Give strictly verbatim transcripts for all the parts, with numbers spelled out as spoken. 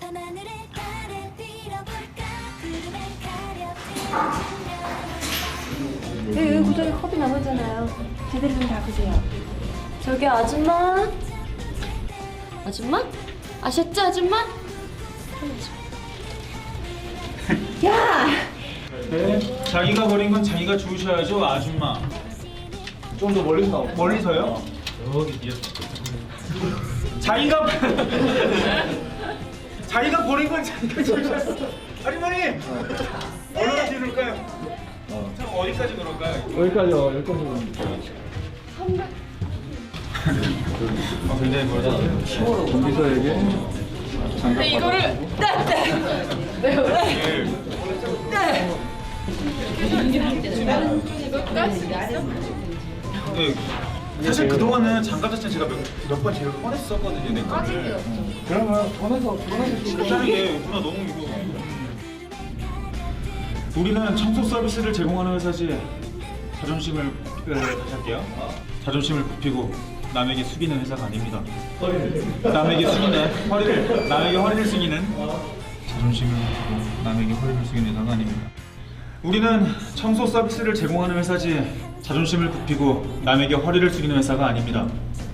밤하늘에 달을 빌어볼까 구름을 가려 네, 여기 구석에 컵이 남았잖아요. 제대로 좀 닦으세요. 저기 아줌마. 아줌마? 아셨죠, 아줌마? 야! 네, 자기가 버린 건 자기가 주우셔야죠, 아줌마. 좀 더 멀리서 나오. 멀리서요? 여기 뒤에. 자기가 자기가 버린 건 자기가 주우셔야죠. 아주머니, 얼마나 지를까요? 어. 참 어디까지 그럴까요? 여기까지요. 여기까지. 아, 굉장히 멀다. 공비서에게 장갑 이거를 네, 사실 그동안은 장갑 자체는 제가 몇 번 제가 꺼냈었거든요, 내 거를. 그러면 전에서 전에서 괜찮은 게 누나 너무 이거. 우리는 청소 서비스를 제공하는 회사지. 자존심을 그, 다시 할게요. 자존심을 굽히고 남에게 숙이는 회사가 아닙니다. 남에게 숙이는 허리를 남에게 허리를 숙이는 자존심을 굽히고 남에게 허리를 숙이는 회사가 아닙니다. 우리는 청소 서비스를 제공하는 회사지 자존심을 굽히고 남에게 허리를 숙이는 회사가 아닙니다.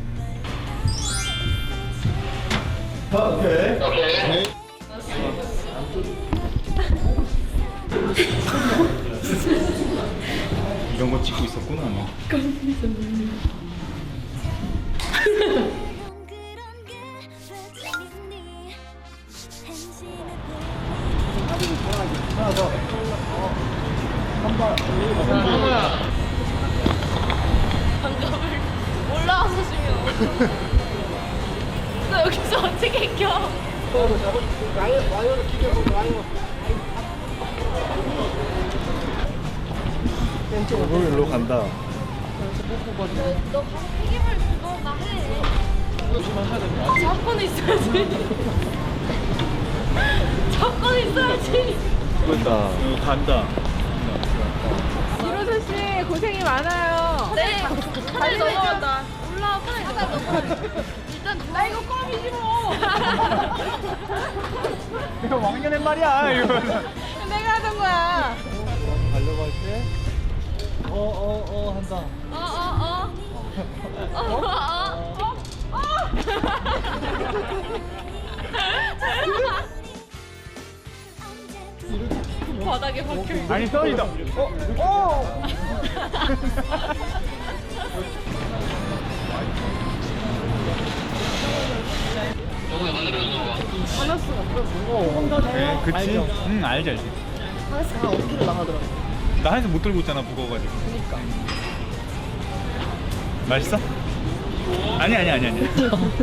오케이. 오케이. 이런 거 찍고 있었구나. 하나 더. 한번 올라와서 주면. 너 여기서 어떻게 껴? 와이어를 끼고 와이어. 일로 간다. 너 튀김을 그거나 해. 잡고는 있어야지. 잡고는 있어야지. 됐다. 어, 간다. 이로선 씨 고생이 많아요. 네. 잘 넘어간다. 올라와 빨리. 하다 넘어. 일단 나 이거 껌이지 뭐. 이거 왕년의 말이야. 이거. 내가 하던 거야. 가려고 할 때. 어 어 어 한다. 어 어 어. 어 어 어. 바닥에 박혀 있는. 아니 떨리다. 어? 어? 네, 그치? 응, 알지, 알지. 하나씩 한 오십 킬로 나가더라고. 나 한에서 못 들고 있잖아, 무거워가지고. 그니까. 맛있어? 아니, 아니, 아니, 아니.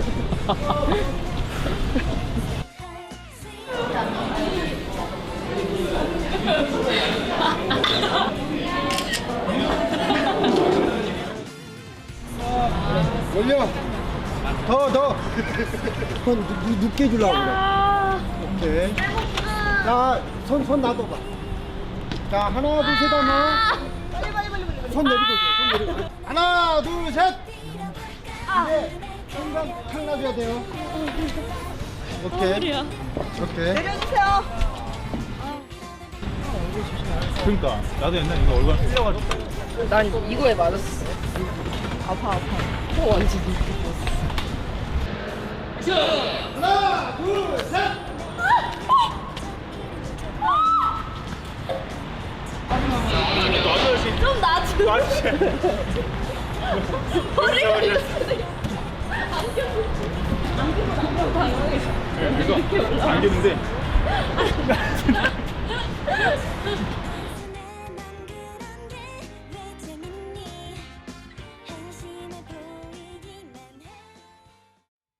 올려. 더 더. 손 늦- 늦게 주려고 그래. 오케이. 자, 손 손 놔둬봐. 자, 하나 둘 셋 하면. 빨리 빨리 빨리 빨리. 손 내리고 있어. 손 내리고. 하나 둘 셋. 네. 순간 탁 놔줘야 돼요. 오케이. 오케이. 내려주세요. 그러니까 나도 옛날에 이거 얼굴 풀려가지고. 난 이거에 맞았어. 아파 아파. 코 완전 이렇게. 하나 둘 셋. 좀 놔줘. 맛있지? 허리가 이렇게. 이거 안겼는데.